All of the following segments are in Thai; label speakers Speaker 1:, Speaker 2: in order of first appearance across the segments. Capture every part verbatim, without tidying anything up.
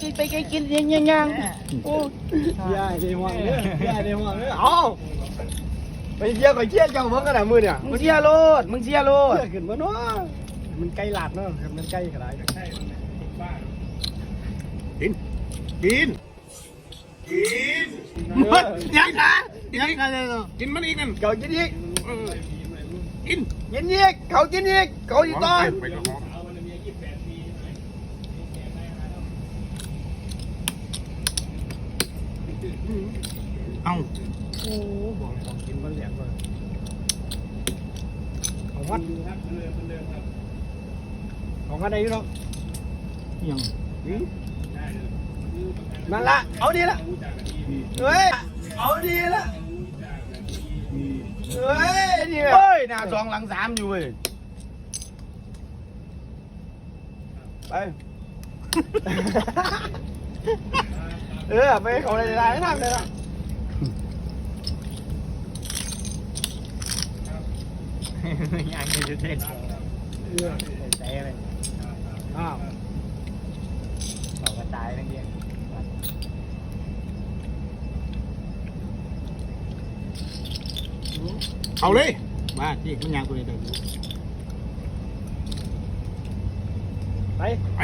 Speaker 1: ไปกินยังยังยังโอ้ยายในห้องเนี่ยยายในห้องเนี่ยเอาไปเชียร์ไปเชียร์เจ้าเพิ่งกันนะมือเนี่ยมึงเชียร์โลดมึงเชียร์โลดขึ้นมาเนาะมันใกล้หลาดเนาะมันใกล้ขนาดไหนกินกินกินมันยังนะยังกันเลยกินมันอีกนั่นเขากินอีกกินกินอีกเขากินอีกเขาอีกตอนเอาโอ้บอกของกินมันเหลียกเลยของวัดของวัดไหนอยู่เนาะยังนั่นละเอาดีละเฮ้ยเอาดีละเฮ้ยนี่เฮ้ยหน้าสองหลังสามอยู่เว้ยไปเออไปเขาอะไรได้ทำเลยละยังไม่ได้เต้นเออเต้เลยอ้าวเขาก็ตายนั่นเองเอาเลยมาที่มันยังกูเลยเดี๋ยวไปไป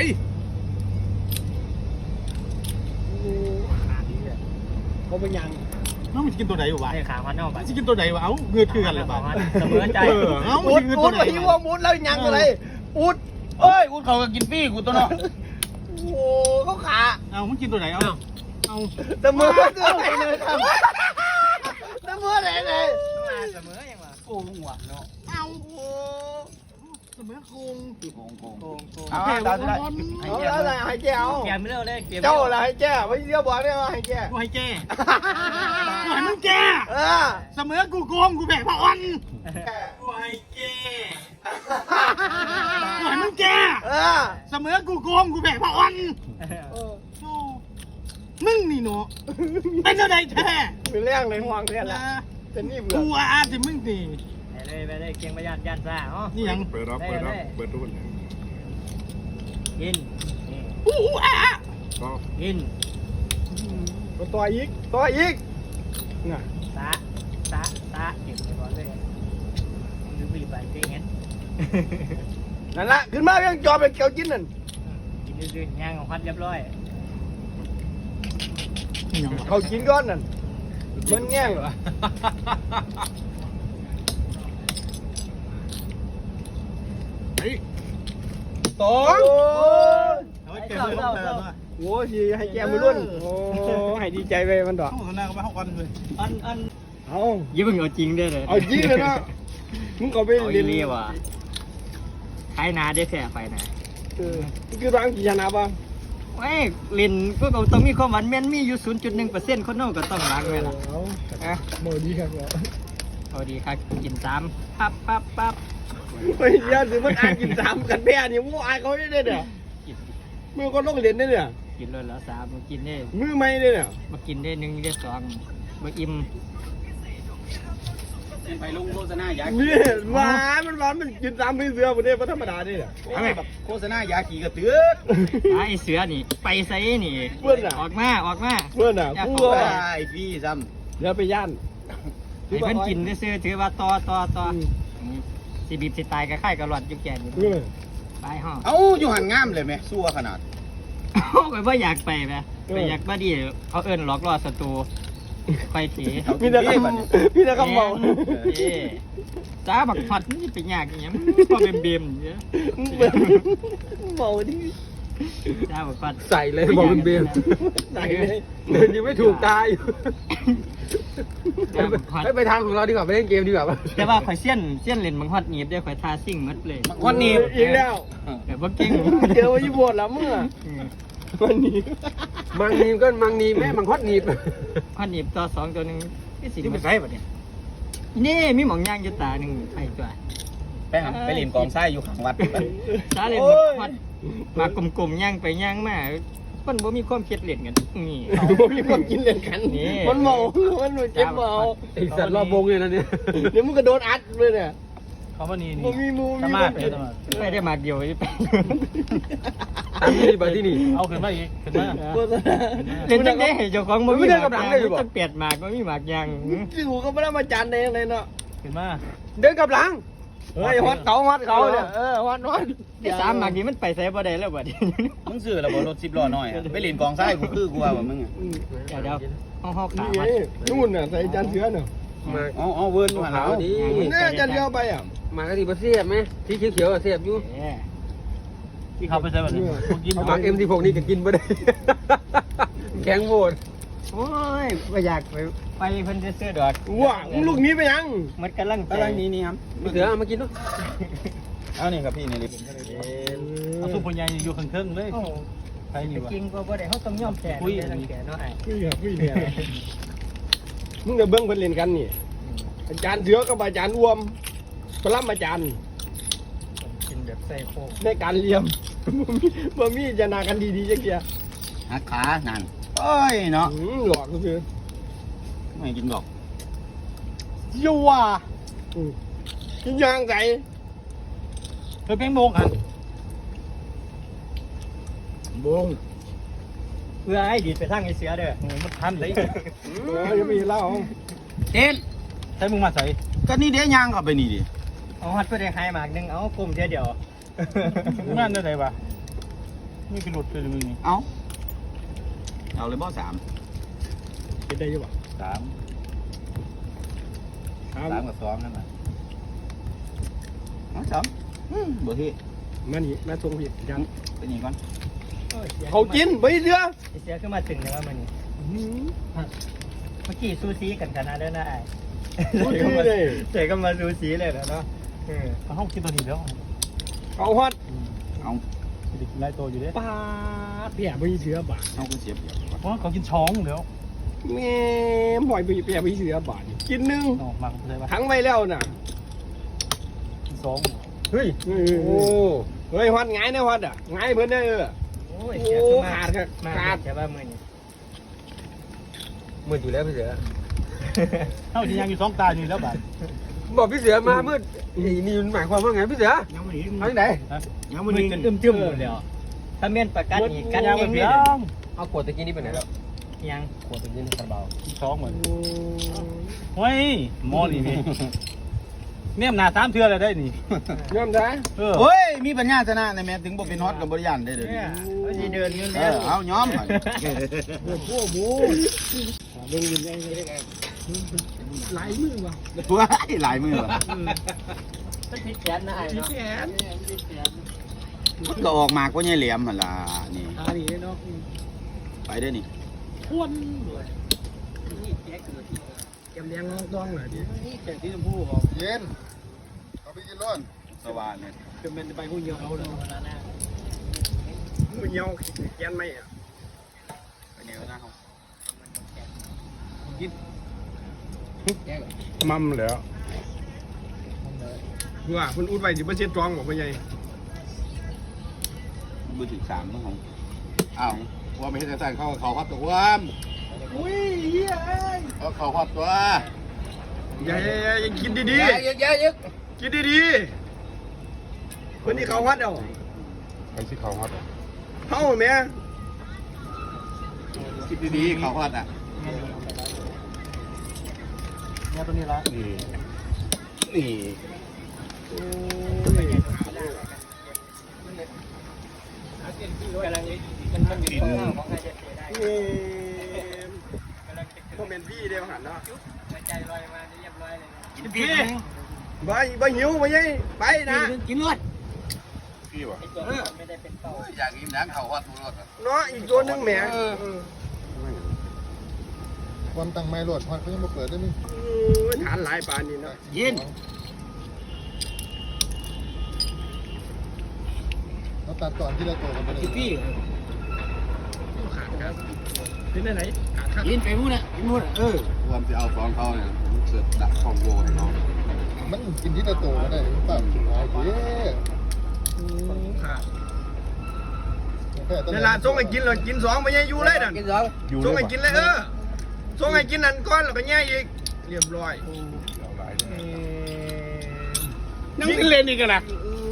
Speaker 1: เขาไปยังน้องมันจะกินตัวไหนวะขาพันเอาไปจะกินตัวไหนวะเอ้าเงือคือกันเลยบ้างเสมอใจเอ้าอุดอุดไปยั่วมุดแล้วยังอะไรอุดเอ้ยอุดเขาก็กินฟรีกูตัวเนาะโอ้เขาขาเอ้ามันกินตัวไหนเอ้าเอาเสมอตัวไหนเลยครับเสมอไหนเลยเสมอยังวะโกงหัวเนาะเอาเสมอโกงโกงโกงโกงโกงเอาได้ได้เอาอะไรให้แก้วแก้ไม่เลิกเลยเจ้าอะไรให้แก้ไม่เสียบอกได้ว่าให้แก้กูให้แก้กูให้มึงแก้เสมอกูโกงกูแบกพระอ่อนกูให้แก้กูให้มึงแก้เสมอกูโกงกูแบกพระอ่อนมึงนี่เนาะเป็นอะไรแท้เป็นเรื่องเลยห่วงแท้ละเป็นนี่เบื่อกูอาสิมึงสิไปเลยไปเลยเกียงประหยัดยันซ่าอ๋อนี่ยังเปิดรับเปิดรับเปิดรุ่นกินอู้อ่ะกินตัวอีกตัวอีกน่ะตาตาตาเก็บไปก่อนเลยดูบีไปเจ๊เห็นนั่นละขึ้นมายังจอเป็นเกี่ยวกินนั่นกินดื้อย่างของพัดเรียบร้อยเขากินก้อนนั่นมันแง่งเหรอไอ้ตองโอ้ยให้แกมือรุ่นโอ้ให้ดีใจไปมันดอกเขาหน้าก็ไปห้องกันเลยอันอันเอายิ่งเอาจริงได้เลยเอาจริงเลยนะมึงก็ไปเรียนเรียว่ะใครนาได้แค่ไฟนะเออคือร้านกี่ชนะบ้างเฮ้ยเล่นพวกเราต้องมีความหวานแม่นมีอยู่ ศูนย์จุดหนึ่งเปอร์เซ็นต์ คนโน้ก็ต้องรักแม่ล่ะอ่ะโมดีครับโมดีครับกินสามปั๊บปั๊บปั๊บเฮ้ยยาสิมันอ่านกินสามกันแพ้นี่มูอายเขาได้เนี่ยมือก็ต้องเล่นได้เนี่ยกินเลยแล้วสามมากินได้มือไม่ได้เนี่ยมากินได้หนึ่งได้สองมาอิ่มไปลงโฆษณายาเนี่ยหวานมันหวานมันกินสามไม่เสือประเดี๋ยวธรรมดาเนี่ยแบบโฆษณายาขี่กระเตือไอ้เสือนี่ไปไซนี่เพื่อนอ่ะออกมาออกมาเพื่อนอ่ะผู้ไอ้พี่ซ้ำเดี๋ยวไปย่านไอ้เพื่อนกินได้ซื้อถือว่าต่อต่อต่อสีบีบสีตายกับไข่กับหลอดยุ่งแก่อยู่ไปห้องเอ้าอยู่หันงามเลยไหมซัวขนาดไปว่าอยากไปไหมไปอยากบ้าดีเขาเอิญหลอกล่อศัตรูไปถีพี่ตะกำพี่ตะกำเมาจ้าบักผัดนี่เป็นยากอย่างเงี้ยพอเบมเบมเยอะเมาดิจ้าบักผัดใส่เลยบอกเบมเบมใส่เลยเดินยังไม่ถูกตายไปไปทางของเราดีกว่าไปเล่นเกมดีกว่าแต่ว่าข่อยเสี้ยนเสี้ยนเล่นมังฮอดหนีบได้ข่อยทาซิ่งมัดเลยมังฮอดหนีบอีกแล้วแต่ว่าเก่งเจอว่าญี่ปุ่นแล้วเมื่อมันหนีมังหนีบก็มังหนีบแม่มังฮอดหนีบฮอดหนีบตัวสองตัวหนึ่งที่สี่เป็นไงแบบนี้นี่มีหมองย่างยุตาหนึ่งไอ้ตัวไปหาไปเล่นกองไส้อยู่ข้างวัดซาเล่นวัดมากลมๆย่างไปย่างมามันบ่มีความคิดเล่นกันนี่บ่มีความกินเล่นกันนี่มันเมามันเจ็บเมาไอ้สัตว์รอบวงเลยนะเนี่ยเดี๋ยวมึงก็โดนอัดเลยเนี่ย
Speaker 2: เขาว่านี่นี่
Speaker 1: บ่มีมู
Speaker 2: ส
Speaker 1: มี
Speaker 2: มา
Speaker 1: บ่
Speaker 2: ร์ทเดี๋ยวสมาร์ท
Speaker 3: ไม่ได้มาเดียวไป
Speaker 4: ตามนี้บัดที่นี่
Speaker 2: เอาขึ้นมาอีกขึ้นมา
Speaker 1: โฆษณา
Speaker 3: เล่นจังได้เจ้าของมันมีหมากต้องเปียดหมากมันมีหมากยาง
Speaker 1: จริงหูก็ไม่ได้มาจานเองเลยเนาะ
Speaker 2: ขึ้นมา
Speaker 4: เดินกับหลัง
Speaker 1: เฮ้ยฮอตเขาฮอตเขาเนี่ยเออฮอตฮอต
Speaker 3: ไอ้สามหมากนี้มันไปใส่บ่ได้แล้วบัดนี้
Speaker 5: มึงซื้อแล้วบ่รถสิบล้อน้อยอะไปเล่นกองทรายกูคือกูว่าว่ามึงอะ
Speaker 3: เดี๋ยวเดี๋ยวห้องห้อง
Speaker 1: นี่
Speaker 3: ขา
Speaker 1: ไงนู่นน่ะใส่จานเสือเนาะ
Speaker 4: มา
Speaker 5: เอาเอาเวิร์นมาหา
Speaker 4: ขาว
Speaker 5: เอา
Speaker 4: ดี
Speaker 1: เนี่ยจานเสือไปอ่ะ
Speaker 4: มากะทิบะเสียบไหมที่เขียวๆเสียบอยู่
Speaker 2: ที่เขาไปใส่แบบนี้พวกกิน
Speaker 4: เอามาเอ็มที่พวกนี้ก็กินไม่ได้แข็งโหด
Speaker 3: โอ้ยไม่อยากไปไปเพิ่นจะซื้อดอก
Speaker 1: ว้าลูกนี้ไปยัง
Speaker 3: มันกำลัง
Speaker 5: อะไรนี่นี่ครับ
Speaker 4: มีเสือเอามากินด้วย
Speaker 5: เอานี่ครับพี่นี่ลิ
Speaker 2: เอาซุปปัญญาอยู่ข้างๆเลย
Speaker 3: โอ้
Speaker 2: ใครนี่วะ
Speaker 3: จริงก็บ่ได้เขาต้องยอมแก่ได้ทั้งแก่เนาะไอ้
Speaker 1: ไม่ครับไม่เนี่ยมึงจะเบิ้งเพิ่นเล่นกันนี่อาจารย์เสือกับอาจารย์อ้วมพลัมอาจารย์
Speaker 3: กินแบบใส่โคก
Speaker 1: ในการเลี้ยมบ่มีจะนากันดีๆจักเกีย
Speaker 5: หักขานั่นโอ้ยเนาะ
Speaker 1: อืมหลอกก็คือ
Speaker 5: ไม่กินดอก
Speaker 1: ยัวอืมกินยางไก่
Speaker 2: เธอเพ่งโมงกัน
Speaker 1: บง
Speaker 3: เพื่อให้ดีไปทางไอ้เสือเด้อ
Speaker 2: มันทันเลย
Speaker 1: เออยังไม่เล่า
Speaker 5: เต้น
Speaker 2: ใช้มึงมาใส่
Speaker 5: ก็นี่เดี๋ยวย่างเข้าไปนี่ดิ
Speaker 3: เอาฮัดเพื่อได้หายหมากนึงเอากลุ่มเดียวเดียว
Speaker 2: งานได้ไหนวะนี่เป็นหลุดเลยมึงนี่
Speaker 5: เอาเอาเลยบ่สาม
Speaker 1: เป็นได้ยังบ่
Speaker 2: สาม
Speaker 1: ครับ
Speaker 2: สามกับสองนั่นแหละ
Speaker 5: เอาสามอืมบ่ที่
Speaker 1: มานี่มาส่งผิดยัน
Speaker 5: ไปนี่ก่อน
Speaker 1: เขากินไปเสือ
Speaker 3: ไอ้เสือขึ้นมาถึงแล้วว่ามันเมื่อกี้ซูซีกันขนาดนั้นนะไอ้
Speaker 1: ดูดีเลย
Speaker 3: เสกก็มาซูซีเลยนะเนาะเออ
Speaker 2: เขาห้องกินตัวนี้แล้ว
Speaker 1: เขาฮอต
Speaker 5: เอา
Speaker 2: เด็กกินไรตัวอยู่เด้
Speaker 1: ปลาเปียไปเสือบาท
Speaker 5: เอากูเสียบเดียว
Speaker 2: เพราะเขากินช้องเดี๋ยว
Speaker 1: แม่หอยไปเปียไปเสือบาทกินหนึง
Speaker 2: ออกมาใช่ปะ
Speaker 1: ทั้งไปแล้วน่ะ
Speaker 2: กินสอง
Speaker 1: เฮ้ยโอ้เฮ้ยฮอตไงนะฮอตอ่ะไงเพิ่นได้เออ
Speaker 3: โอ้ยเสือขึ้นมา
Speaker 1: ขาดครับ
Speaker 3: มา
Speaker 1: ขาด
Speaker 3: แต่ว่ามือนี่
Speaker 4: มืดอยู่แล้วพี่เสือ
Speaker 2: เท่าที่ยังอยู่สองตาอยู่แล้วบาด
Speaker 4: บอกพี่เสือมามืดนี่นี่มันหมายความว่าไงพี่เสือ
Speaker 5: ยังไม่ถึง
Speaker 4: เอาที่ไหน
Speaker 5: ยัง
Speaker 3: มื
Speaker 5: ไม่
Speaker 3: อ
Speaker 5: ถึง
Speaker 3: จนอึมๆหมดแล้วถ้าเมียนประกันอีกกัน
Speaker 2: ยัง
Speaker 3: เอ
Speaker 2: ไม่
Speaker 3: ง
Speaker 2: เพี
Speaker 3: นี่
Speaker 2: ยง
Speaker 4: เอาขวดตะกี้นี่ไปไหนแล้ว
Speaker 3: ยัง
Speaker 4: ขวดตะกี้นี่คาราบาว
Speaker 2: กินสองเหมือนเฮ้ยหมอนี่นี่เนี่ยหนาสามเทือเลยได้นี่
Speaker 1: ยอมได้
Speaker 2: เออ
Speaker 5: เฮ้ยมีปัญญาชนะในแม่ถึงบ่เป็นฮอตกับบริยานได้เด้อ
Speaker 3: เนี่ยเขาสิเดินอยู่
Speaker 5: เอ
Speaker 3: แล้ว
Speaker 5: อเอาย้อม
Speaker 1: โอ้โหหมูเบิ่งยินได้ไงหลายมือว่ะ
Speaker 5: ว้ายหลายมือว่ะ
Speaker 3: มันผิดแผนนะไอ้เนาะ
Speaker 1: แขน
Speaker 5: มันก็ออกมากกว่าใหญ่เหลี่ยมหั่นล่ะนี่
Speaker 1: อันนี้เนาะ
Speaker 5: ไปเด้อนี่
Speaker 1: ทวนด้วยแกมแดงน้องต้องหน่อยดิ
Speaker 3: นี่แจกที่ชมพูของ
Speaker 6: เย็นเอาไปกินร้อน
Speaker 5: สว่านเนี่ย
Speaker 1: เป็นเป็นไปผู้เหี่ยวเขาเลยผู้เหี่ยวแกนไม่อ่ะ
Speaker 5: ไปเนี่ยนะเขา
Speaker 1: มั่มแล้วว่าคุณอุดไว้สิบ่เช็ดตรองบ่พ่อใหญ่
Speaker 5: มือถึงสามมั้งของอ้าว
Speaker 6: ว่าไม่ใช่แต่เขาเขาฮอตตัวม
Speaker 1: อุ้ยเหี้ยเอ้ย
Speaker 6: เขาเขาฮอตตัว
Speaker 1: อย่าอย่าอย่ากินดี
Speaker 4: เยอะเยอะเยอะ
Speaker 1: ๆกินดีๆคนนี้เขาวัดเอา
Speaker 6: ไอ้ที่เขาฮอต
Speaker 1: เฮาแม่
Speaker 6: คิดดีๆเขาฮอตอ่ะ
Speaker 2: เนี่ยตัวนี้ละ
Speaker 6: นี่นี่
Speaker 1: โอ้ย
Speaker 3: กำลังมันมันอยู่ตรงหน้าของใครจะเสียได้
Speaker 1: เอ้ยพวกเป็นพี่เดียวหันเนาะ
Speaker 3: ใจลอยมาเรียบร้อยเลย
Speaker 5: กินพี่
Speaker 1: บ่บ่หิวบ่ใหญ่ไปนะ
Speaker 5: กินรวด
Speaker 6: พี่วะ
Speaker 3: ไอ้ตัวไม่ได้เป็นเป้า
Speaker 6: อยากกินน้ำเขาฮอตตัวรถ
Speaker 1: เนาะอีกตัวหนึงแหม
Speaker 6: วันตั้งไม้รถฮอตเขายังมาเปิดได้มั้ย
Speaker 1: เออฐานหลายปานนี่เนาะ
Speaker 5: ยิน
Speaker 6: เราตัดก่อนที่เราโตกันไปเลย
Speaker 5: พี่
Speaker 1: ขาดครับเป็นไหนขาดครับ
Speaker 5: ยินไปมู้นะไปมู้นะเออ
Speaker 6: ความจะเอาฟองเขาเนี่ยเสือดักคอมโบให้น้องมันกินที่เราโตมาได้หรือเปล่าโอเค
Speaker 1: ขาดนั่นล่ะส่งให้กินแล้วกินสองบ่ใหญ่อยู่เลยนั่น
Speaker 4: กินสอง
Speaker 1: ส่งให้กินเลยเออส่งให้กินนั่นก่อนแล้วก็แย่อีกเรียบร้อย
Speaker 6: เอาหลายเลย
Speaker 1: เอ่อ
Speaker 4: ยังสิเล่นอีกกันนะ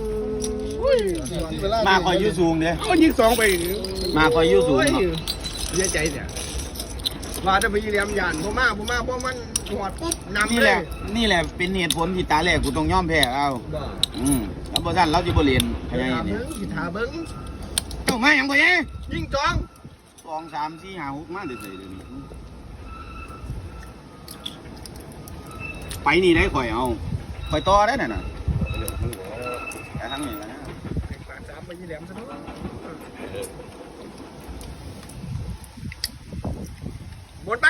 Speaker 5: มาคอยยืดสูงเด้
Speaker 4: เอายิงสองไป
Speaker 5: มาคอยยืดสูง
Speaker 1: โอ้ย
Speaker 5: เนาะ
Speaker 1: เสียใจเนี่ยว่าจะไปยีเลียมยานพ่อมาพ่อมาพ่อมันหอดปุ๊บนำ
Speaker 5: นี่
Speaker 1: เล
Speaker 5: แห
Speaker 1: ย
Speaker 5: ละนี่แหละเป็นเหตุผลที่ตาแรกกูต้องยอมแพ้เอา
Speaker 1: บ้า
Speaker 5: อืมแล้วบ่ซั่นเราสิบ่เรียนพยา
Speaker 1: ถา
Speaker 5: ย่างนี้
Speaker 1: เบิ้งสิถาเบิ้ง
Speaker 5: เอ้ามาหยังบ่ยัง
Speaker 1: ยิงจอง
Speaker 5: สองสามสี่ห้าหกมาเรื่อยๆเดี๋ยวนี้ไปนี่ได้ข่อยเอาข่อยต่อได้น่ะน่ะแต่ทั้งนี้นะ
Speaker 1: ปากสามไปยีเลียมซะเนาะหมดไป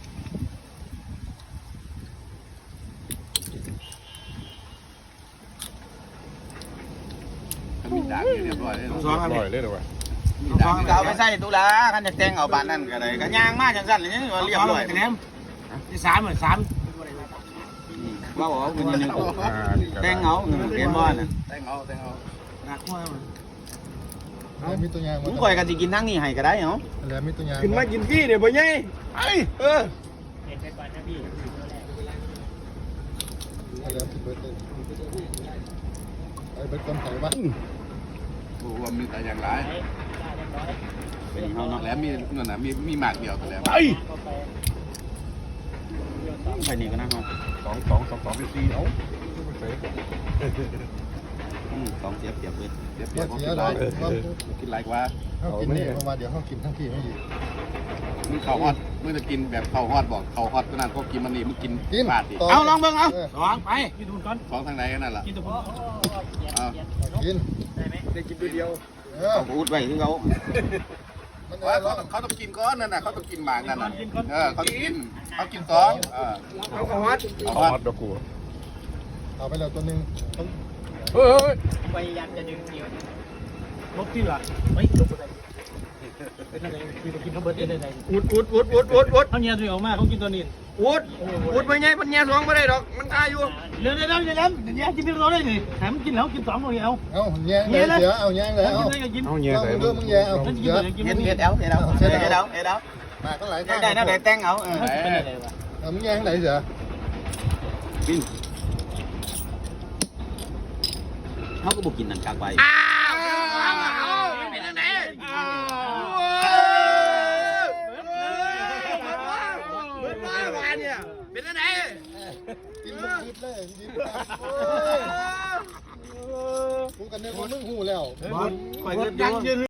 Speaker 6: มีด่างเรียบร้อยเลย
Speaker 5: สองอัน
Speaker 4: ปล่
Speaker 5: นี้
Speaker 4: อยเลยเหรอวะ
Speaker 5: สองก็เอาไปใส่ตุลาคันจะแต่งเอาบานนั้นก็ได้ก็ย่างมาจังซั่นเลยนี่ว่าเรียบร้อย
Speaker 2: คะแนนที่สามเหมือนสาม
Speaker 5: ว่าบอกว่าคุณยัง
Speaker 4: อ่านี่ก็ได้
Speaker 5: แต่งเอาเรียนบ่น่ะ
Speaker 6: แต่งเอาแต่งเอา
Speaker 2: รักมาก
Speaker 6: แล้วมีตัวอยาง
Speaker 5: ผมข่อยก็สิกินทั้งนี้ให้ก็ได้เนาะ
Speaker 6: แล้วมีตัวอยาง
Speaker 1: ขึ้นมากินพี่เนี่ยบ่ใหญ่ไอ้เออ
Speaker 3: เห็นไปก่อนนะพี่
Speaker 6: แล้วสิเบิร์ดเลยไอ้เบิร์ดคนไทยบ้านโอ้ว่ามีแต่อย่างไร
Speaker 5: เป็นเฮาเนาะ
Speaker 6: แล้วมีเงินนะมีมีหมากเดียวแต่แล้ว
Speaker 4: ไป
Speaker 5: ไปนี่ก็นะเฮา
Speaker 4: สองสองสองสองสี่เอา
Speaker 5: อืมสองเสียเปรียบเลย
Speaker 6: เดี๋ยวเดี๋ยวกินไรกินไรกว่าเขากินนี่เพราะว่าเดี๋ยวเขากินทั้งที่ไม่ดีมึงเขาฮอดมึงจะกินแบบเขาฮอดบอกเขาฮอดขนาดเขากินมันนี่มึงกินบาทดิ
Speaker 5: เอาลองเบิ่งเอา
Speaker 2: สองไปกินทุนก่อน
Speaker 6: สองทางไหนกันนั่นแหละ
Speaker 2: กินทุน
Speaker 6: เอา
Speaker 1: กินได้กินตัวเดียว
Speaker 6: เออ
Speaker 5: เอาอุดไว้คือเขา
Speaker 6: มันเขาเขาต้องกินก้อนนั่นน่ะเขาต้องกินหมากนั่นน่ะเออเขากินเขากินสองเออ
Speaker 1: เอาขวัด
Speaker 4: เอาฮอตดอกกู
Speaker 6: เอาไปแล้วตัวนึง
Speaker 4: เฮ้ย
Speaker 3: พยายามจะดึงเดียว
Speaker 2: ลบที่หลังไม่ลบอะไรเป็นอะไรคือกินข้าวเบิร์ดได้ไง
Speaker 1: อุดอุดอุดอุดอุดอุด
Speaker 2: เขาเนี่ยตัวออกมาเขากินตัวนี้
Speaker 1: อุดอุดไปไงมันแง่สองไม่ได้ดอกมันตายอยู่
Speaker 2: เดี๋ยวเดี๋ยวเดี๋ยวเดี๋ยวเดี๋ยวกินที่เราได้นี่แถมกินแล้วกินสองเลยเอา
Speaker 6: เอาแย่งเลยเดี๋ยวเอาแย่งเลยเอา
Speaker 2: กินได้ก็กิน
Speaker 4: เอาเงี้ย
Speaker 6: เอา
Speaker 4: ใส่
Speaker 6: เรื่องมึงแย่เอา
Speaker 2: กิน
Speaker 6: เยอะ
Speaker 2: เลยกิน
Speaker 5: เฮ็ด
Speaker 2: นี่
Speaker 5: เฮ็ดเอาเฮ็ดเอาเฮ็ดเอาเฮ็ดเอา
Speaker 6: มาก็หลาย
Speaker 5: ได้ได้นะได้แต่งเอาเออ
Speaker 2: เป็นอะไรวะ
Speaker 6: เอามึงแย่งไหนเสือ
Speaker 5: กินเขาก็บ่กินนั่นกากไว้
Speaker 1: อ้าวเอาเป็นยังไงเบิดมาบ้านเนี่ยเป็นยังไง
Speaker 6: กินมึงคิดเลยกินกูกันเนี่ยมึงหูแล้ว
Speaker 5: ข่อยเฮ็ดอยู่